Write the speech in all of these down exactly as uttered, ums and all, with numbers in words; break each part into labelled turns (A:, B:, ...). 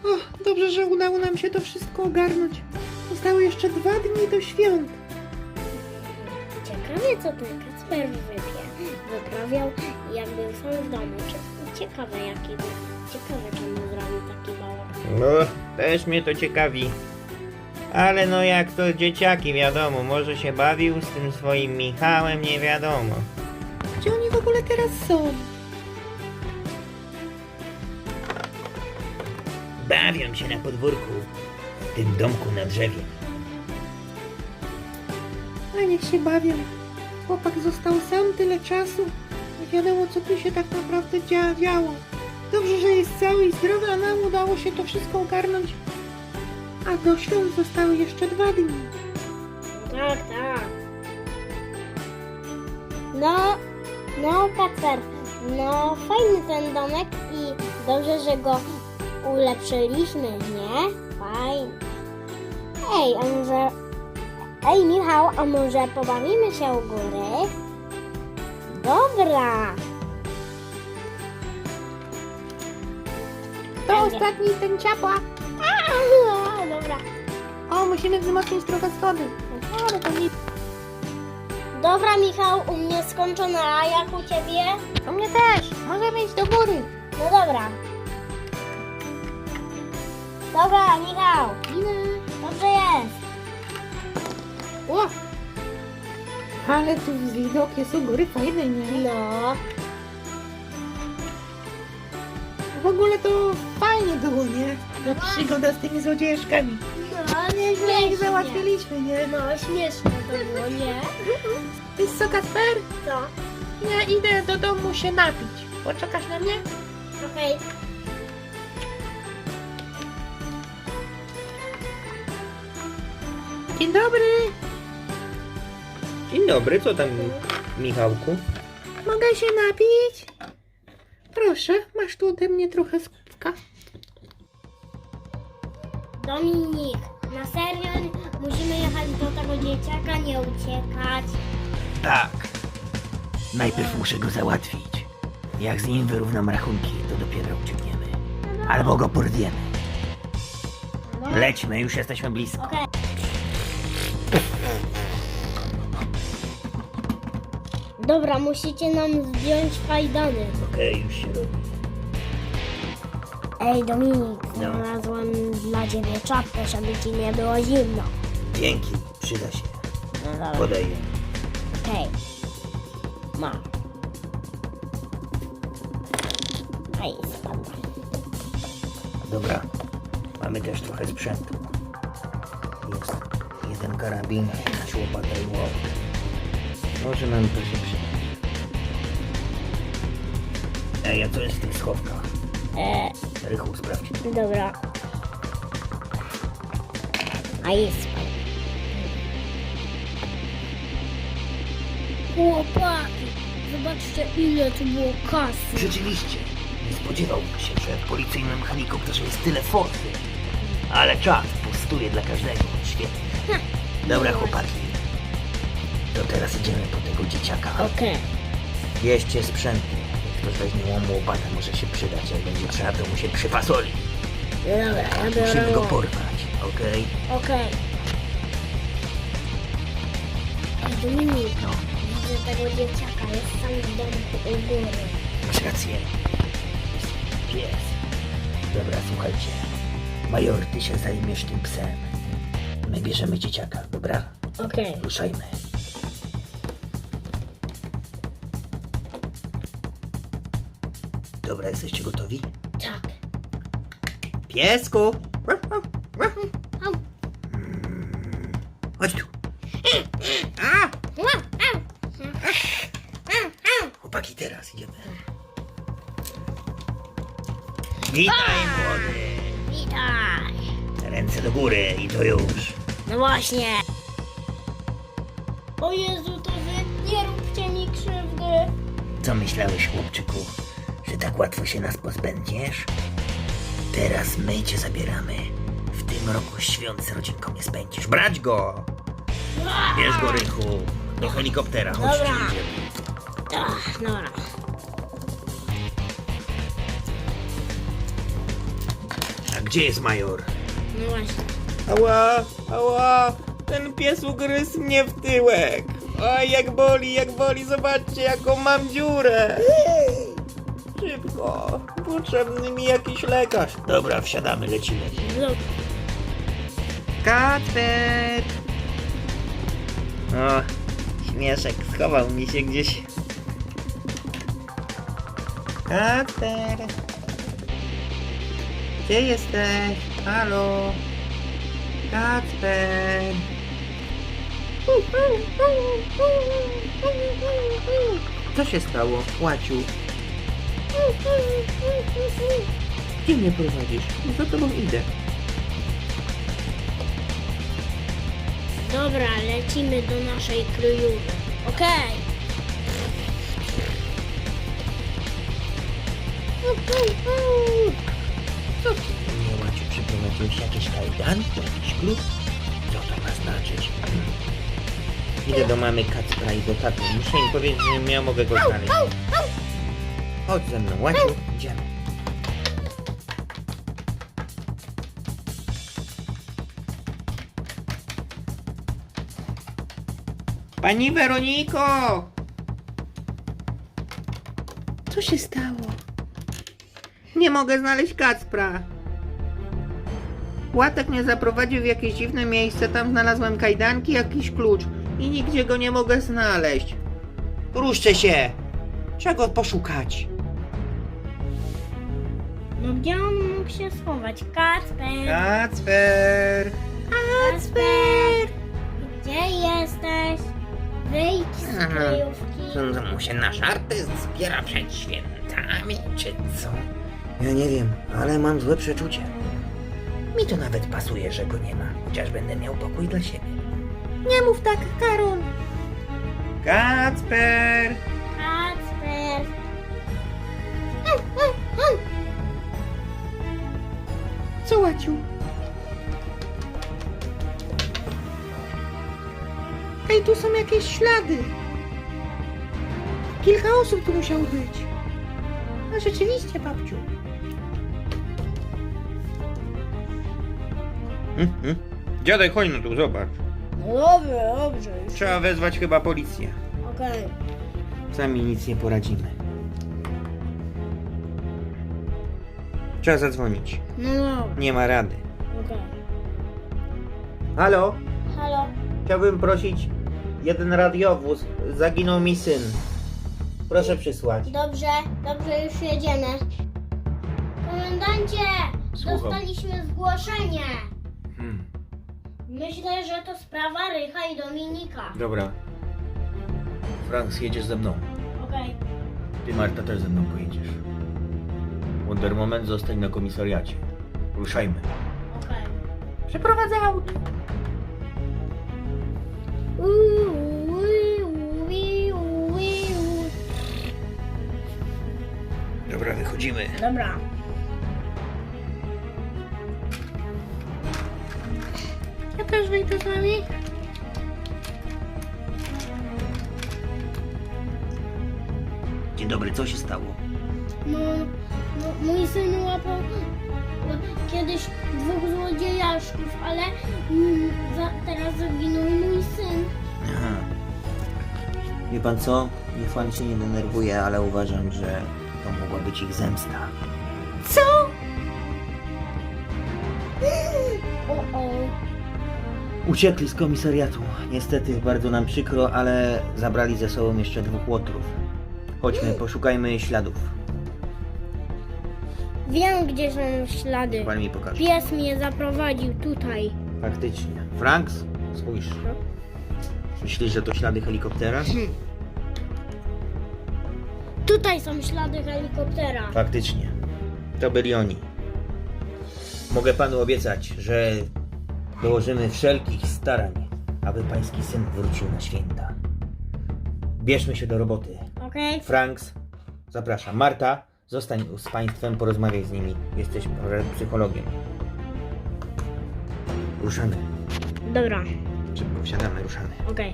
A: O, dobrze, że udało nam się to wszystko ogarnąć. Zostały jeszcze dwa dni do świąt.
B: Ciekawie, co ten Kacper wypie, wyprawiał, jak był sam w domu. Czy, ciekawe, jaki był. Ciekawe, czemu zrobił taki bałagan.
C: No, też mnie to ciekawi. Ale no jak to dzieciaki, wiadomo, może się bawił z tym swoim Michałem, nie wiadomo.
A: Gdzie oni w ogóle teraz są?
C: Bawią się na podwórku, w tym domku na drzewie.
A: A niech się bawią. Chłopak został sam tyle czasu. Nie wiadomo, co tu się tak naprawdę dzia działo. Dobrze, że jest cały i zdrowy, a nam udało się to wszystko ogarnąć. A do świąt zostały jeszcze dwa dni.
B: Tak, tak. No, no Kacper, no fajny ten domek i dobrze, że go ulepszyliśmy, nie? Fajnie. Ej, a może... Ej, Michał, a może pobawimy się u góry? Dobra.
A: To ostatni ten ciapła.
B: A, dobra.
A: O, musimy wzmocnić trochę schody. Ale to nic.
B: Dobra, Michał, u mnie skończone, a jak u ciebie?
A: U mnie też. Możemy iść do góry.
B: No dobra. Dobra, Michał,
A: Idę.
B: dobrze jest.
A: O! Ale tu widok jest u góry fajny, nie?
B: No,
A: W ogóle to fajnie było, nie? Ta przygoda z tymi złodziejaszkami.
B: no,
A: Nieźle ich
B: śmiesznie.
A: załatwiliśmy, nie?
B: No, śmieszne to było, nie?
A: Wiesz co, Kacper?
B: Co?
A: Ja idę do domu się napić. Poczekasz na mnie?
B: Okej.
A: Dzień dobry.
C: Dzień dobry, co tam, Michałku?
A: Mogę się napić? Proszę, masz tu ode mnie trochę słówka.
B: Dominik, na serio musimy jechać do tego dzieciaka, nie uciekać.
C: Tak. Najpierw muszę go załatwić. Jak z nim wyrównam rachunki, to dopiero uciekniemy. Albo go porwiemy. Lećmy, już jesteśmy blisko.
B: Okej. Dobra, musicie nam zdjąć fajdany.
C: Okej, już się robi.
B: Ej, Dominik,
C: No.
B: znalazłem dla ciebie czapkę, żeby ci nie było zimno.
C: Dzięki, przyda się.
B: No dobra.
C: Podaję.
B: Okej. Mam. Ej, spadła.
C: Dobra, mamy też trochę sprzętu. Jest jeden karabin, jakaś łopata i łopata. Może nam to się przyda. Ej, a co jest w tych schowkach?
B: Eee,
C: Rychu, sprawdź.
B: dobra. A jest spadł. Chłopaki, zobaczcie ile tu było kasy.
C: Rzeczywiście, nie spodziewałbym się, że w policyjnym helikopterze jest tyle forsy. Ale czas pustuje dla każdego. Świetnie. Dobra, chłopaki. To teraz idziemy po tego dzieciaka.
B: Okej.
C: Bierzcie sprzęty. Jak ktoś weźmie łom łopatę, może się przydać. Jak będzie trzeba, to mu się przyfasoli.
B: No dobra, ja biorę
C: Musimy go
B: łom.
C: porwać, okej?
B: Okej. Ej, Dominik,
C: No,
B: widzę tego dzieciaka, jest sam w domku u góry.
C: masz rację. Pies. Dobra, słuchajcie. Major, ty się zajmiesz tym psem. My bierzemy dzieciaka, dobra?
B: Okej.
C: Ruszajmy. Dobra, jesteście gotowi?
B: Tak.
C: Piesku!
B: Au.
C: Chodź tu.
B: Au, au.
C: Chłopaki, teraz idziemy. Witaj, młody.
B: Witaj.
C: Ręce do góry i to już.
B: No właśnie. O Jezu, to wy nie róbcie mi krzywdy.
C: Co myślałeś, chłopczyku, że tak łatwo się nas pozbędziesz? Teraz my cię zabieramy. W tym roku świąt z rodzinką nie spędzisz. Brać go! Bierz go, Rychu, do helikoptera. Chodźcie,
B: Dobra.
C: idziemy.
B: Ach, dobra.
C: A Gdzie jest major?
B: No właśnie.
C: Ała, ała, ten pies ugryzł mnie w tyłek. Oj, jak boli, jak boli, zobaczcie jaką mam dziurę. Szybko, potrzebny mi jakiś lekarz. Dobra, wsiadamy, lecimy.
B: No,
C: Kacper! O, śmieszek, schował mi się gdzieś. Kacper! Gdzie jesteś? Halo? Kacper! Co się stało, Łaciu? Gdzie mnie prowadzisz? Za tobą idę.
B: dobra, lecimy do naszej kryjówki. Okej.
C: Co ty nie Łaciu, przyprowadziłeś jakieś kajdanki, jakiś klucz? Co to ma znaczyć? Idę do mamy Kacpra i do taty. Muszę im powiedzieć, że ja mogę go znaleźć. Chodź ze mną, Łaciu, idziemy. Pani Weroniko! Co się stało? Nie mogę znaleźć Kacpra. Łatek mnie zaprowadził w jakieś dziwne miejsce, tam znalazłem kajdanki, jakiś klucz i nigdzie go nie mogę znaleźć. Ruszcie się! Trzeba go poszukać.
B: No gdzie on mógł się schować? Kacper!
C: Kacper!
B: Kacper! Gdzie jesteś? Wyjdź z
C: Aha.
B: kryjówki.
C: Sądzą mu się na żarty zbiera przed świętami, czy co? Ja nie wiem, ale mam złe przeczucie. Mi to nawet pasuje, że go nie ma, chociaż będę miał pokój dla siebie.
A: Nie mów tak, Karol.
C: Kacper!
B: Kacper!
A: Co, Łaciu? Ej, tu są jakieś ślady. Kilka osób tu musiało być. A rzeczywiście, babciu.
C: Mhm. Dziadek, chodź no tu, zobacz.
B: No dobrze, dobrze. Już.
C: Trzeba wezwać chyba policję.
B: Okej.
C: Sami nic nie poradzimy. Trzeba zadzwonić.
B: No dobra,
C: Nie ma rady.
B: okej.
C: Halo?
B: Halo?
C: Chciałbym prosić jeden radiowóz. Zaginął mi syn. Proszę przysłać.
B: Dobrze, dobrze, już jedziemy. Komendancie!
C: Słucham.
B: Dostaliśmy zgłoszenie.
C: Hmm.
B: Myślę, że to sprawa Rycha i Dominika.
C: Dobra. Franz, jedziesz ze mną.
B: Okej.
C: Ty, Marta, też ze mną pojedziesz. Wonder Moment, zostań na komisariacie. Ruszajmy.
B: Okej.
A: Przeprowadzę auto.
B: Uuu, uuu, uuu, uuu.
C: Dobra, wychodzimy.
B: Dobra.
A: Ja też wyjdę z nami.
C: Dzień dobry, co się stało?
B: No, no mój syn łapał kiedyś dwóch złodziejaszków, ale mm, za, teraz zaginął mój syn.
C: Aha. Wie pan co? Niech pan się nie denerwuje, ale uważam, że to mogła być ich zemsta.
A: Co?
B: O, o.
C: Uciekli z komisariatu. Niestety, bardzo nam przykro, ale zabrali ze sobą jeszcze dwóch łotrów. Chodźmy, poszukajmy śladów.
B: Wiem, gdzie są ślady.
C: Pan mi pokaże.
B: Pies mnie zaprowadził tutaj.
C: Faktycznie. Franks, spójrz. Myślisz, że to ślady helikoptera?
B: Tutaj są ślady helikoptera.
C: Faktycznie. To byli oni. Mogę panu obiecać, że dołożymy wszelkich starań, aby pański syn wrócił na święta. Bierzmy się do roboty.
B: Okej?
C: Franks, zapraszam. Marta, zostań z państwem, porozmawiaj z nimi. Jesteś psychologiem. Ruszamy.
B: Dobra,
C: Szybko wsiadamy, ruszamy.
B: okej.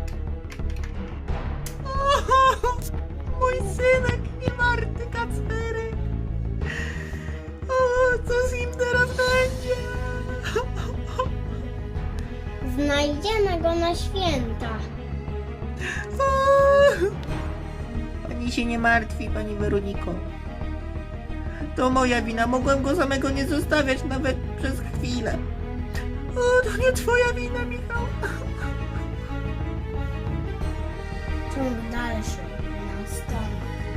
A: Mój synek, nie Marty, Kacperek. O, co z nim teraz będzie?
B: Znajdziemy go na święta.
C: Pani się nie martwi, pani Weroniko. To moja wina, mogłem go samego nie zostawiać nawet przez chwilę. O, to nie twoja wina, Michał.
B: Ciąg dalszy.